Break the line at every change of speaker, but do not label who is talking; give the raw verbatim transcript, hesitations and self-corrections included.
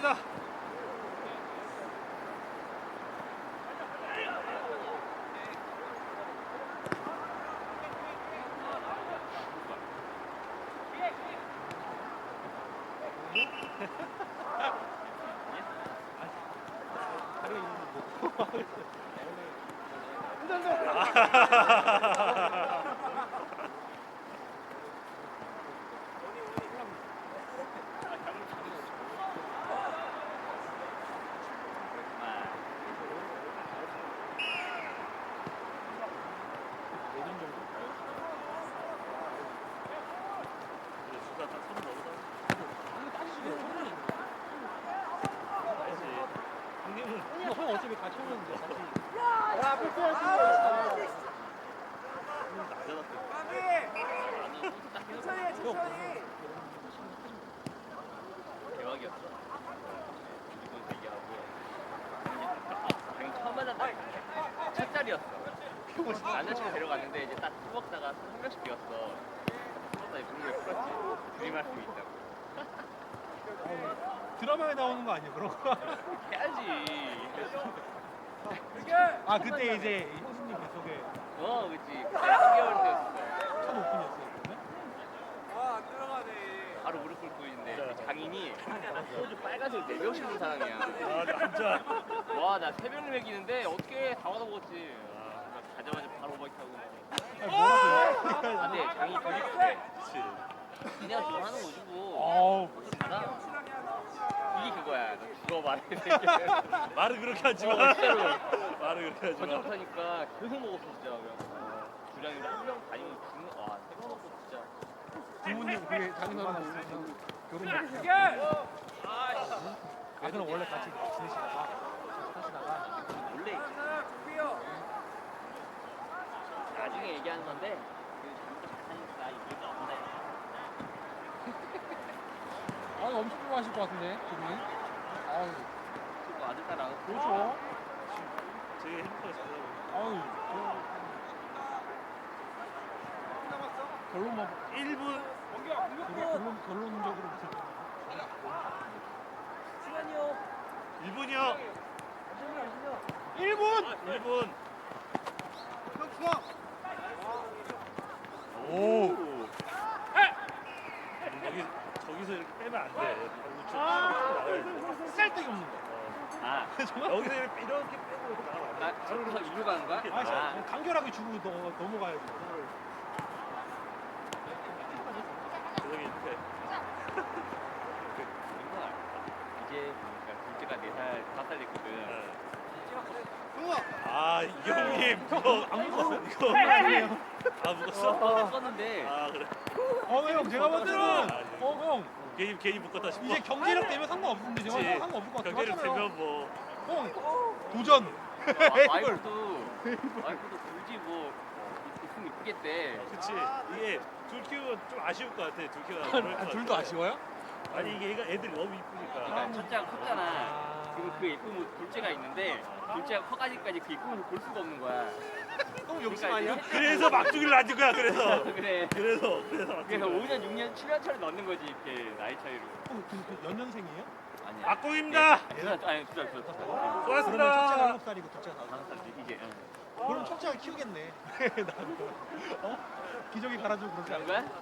갑시다.
형 어차피 같이 오는데 같이.
야, 불편하지. 천천히, 천천히.
대박이었어. 무조건 대기하고. 당연히 처음 만났다. 첫 자리였어. 남자친구 데려갔는데 이제 딱 술 먹다가 한 명씩 비웠어. 그러다 이제 분명히 풀었지. 드림할 수 있다고.
드라마에 나오는 거 아니야 그런 거?
해야지.
아 그때 이제 형수님 뱃속에
어, 그치. 그때 삼 개월 때였어.
첫 오픈이었어요 그러면?
아, 안 들어가네.
바로 무릎 꿇고 있는데 그 장인이 소주 빨간색 네 병씩 는 사람이야.
아, 진짜.
와, 나 세 병을 먹이는데 어떻게 다 받아 먹었지. 아, 가자마자 바로 오버킥 하고.
아니, 뭐라고요?
아, 근데 장이 되게 크대.
그치.
그냥 좋아하는 거지 뭐.
어우
받아. 이게 그거야. 너 죽어 말해.
말은 그렇게 하지 마.
어, 진짜로.
말은 그렇게 하지
거짓말
마.
못하니까 계속 먹었어 진짜. 그냥 주량인데 한 명 다니면 죽는. 와, 세 번 먹고 진짜.
부모님 그게 장인어른 있으면 결혼 못 아 그럼 원래 같이 지내시다가 사시다가
원래
준비요.
나중에 얘기하는 건데 그 잘못 잘하니까 이게 없네.
아 엄청 좋아하실 것 같은데 두분 아유
그 아들 딸하고
그렇죠
되게 행복하게 잘 살고.
아유 결론만
일 분.
결론 결론적으로
시간이요.
일 분이요.
일 분
일 분.
오
여기 저기서 이렇게 빼면 안 돼. 우측 나가야 돼.
쓸데기 없는 거
아,
여기서 이렇게 이렇게 빼고 이렇게 나가면 안 돼.
나 저기서 일로 가는 거야?
아,
아,
간결하게 주고 넘어, 넘어가야지
저기 이렇게.
이거 이제 보니까 둘째가 네 살, 다섯 살 됐거든.
네. 아, 이 형님. 이거
안 먹었어
이거. 아, 묵었어?
어, 썼는데
아, 그래.
어형 제가 볼 때는 어형
괜히 괜히 묶었다 싶어.
이제 경기력 때문에 상관없는데 제가
그치.
상관없을 것 같아요
경기를
하잖아요.
되면 뭐.
형 도전
와, 와이프도 와이프도 굳이 뭐 있으면 이쁘겠대.
그치. 이게 둘 키우면 좀 아쉬울 것 같아. 둘 키우면. 그럴 것
아, 둘도
같아.
아쉬워요?
아니 이게 애가 애들이 너무 이쁘니까.
그러니까 첫째가 컸잖아.
아.
그리고 그 예쁜 둘째가 있는데 둘째가 커가지고까지 그 예쁜 걸 볼 수가 없는 거야.
너무 욕심
그러니까
아니야?
이제
그래서 막주기를 놔준 거야. 그래서.
그래.
그래서 그래서 막주기를.
그래서 오 년, 육 년, 칠 년 차를 넣는 거지 이렇게 나이 차이로.
어, 그, 그 연년생이에요?
아니야.
막공입니다.
네, 두 살, 아니 두 살, 두 살.
그러면 첫째가
고맙습니다.
일곱 살이고 둘째가 다섯
다섯 살 이제. 응.
살 그럼 첫째가 키우겠네 나도 어? 기저귀 갈아주고 그러지
그런
않을까?
거야?